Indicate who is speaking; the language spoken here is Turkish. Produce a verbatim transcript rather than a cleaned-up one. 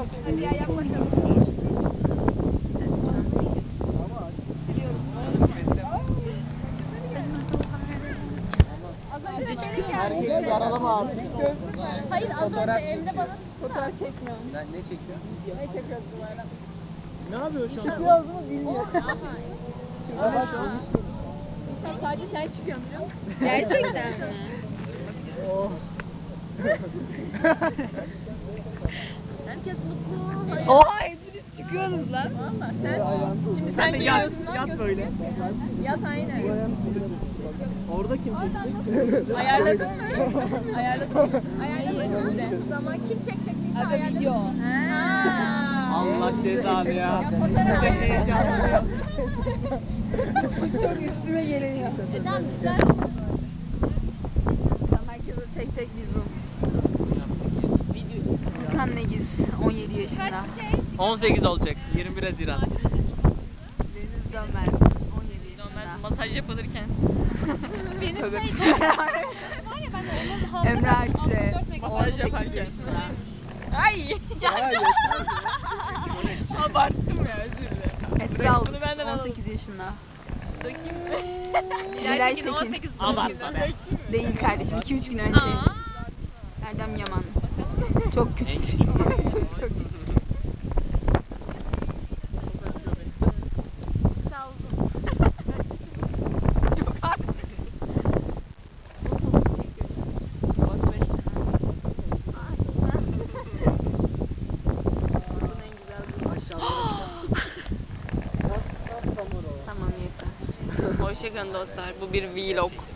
Speaker 1: Hadi ya yaklaşalım. Az önce de gelin geldi.
Speaker 2: Yaralama abi.
Speaker 1: Hayır az önce Emre bana fotoğraf çekmiyorum.
Speaker 2: Ben ne çekiyorum?
Speaker 1: Ne çekiyorsun bu arada?
Speaker 2: Ne yapıyorsun şu an?
Speaker 1: Çıkıyoruz mu bilmiyorum.
Speaker 2: Şurada bak şu an.
Speaker 1: Sen sadece sen çıkıyorsun biliyor musun? Gerçekten mi?
Speaker 2: Oh.
Speaker 1: Herkes mutlu.
Speaker 3: Oha hepiniz çıkıyorsunuz lan.
Speaker 1: Valla sen. Şimdi
Speaker 2: Sen
Speaker 1: sen
Speaker 2: de yat,
Speaker 1: giriyorsun lan
Speaker 2: yat böyle.
Speaker 1: Yat aynen.
Speaker 2: Orada kim çekecek?
Speaker 1: Ayarladın mı? Ayarladın mı? Ayarladın mı? Zaman kim çekecek neyse ayarladın mı?
Speaker 2: Allah cezanı ya.
Speaker 1: Fotoğraf
Speaker 2: Heyecanlı.
Speaker 1: Çok üstüme geliyor. E tamam güzel. Tamam herkese tek tek bir zoom. Furkan Negiz on yedi yaşında.
Speaker 2: on sekiz olacak. yirmi bir Haziran.
Speaker 1: Deniz Dömer on yedi yaşında.
Speaker 3: Masaj yapılırken.
Speaker 1: Benim şey var ya ben de onun
Speaker 3: Emre Akçe
Speaker 1: Masaj
Speaker 3: yaparken. Ay.
Speaker 2: Hayır.
Speaker 3: Abarttım ya özür dilerim.
Speaker 1: Esra
Speaker 3: Bunu benden
Speaker 1: on
Speaker 3: alalım.
Speaker 1: sekiz yaşında.
Speaker 3: Bakayım mı?
Speaker 1: Nilay Tekin.
Speaker 2: Abartma be.
Speaker 1: Değil kardeşim iki üç gün önce.
Speaker 3: Aa.
Speaker 1: Erdem Yaman. Çok küçük.
Speaker 2: En küçük.
Speaker 1: Çok küçük. Sağ olun. Yok artık. Tamam yeter.
Speaker 3: Hoşçakalın dostlar. Bu bir vlog.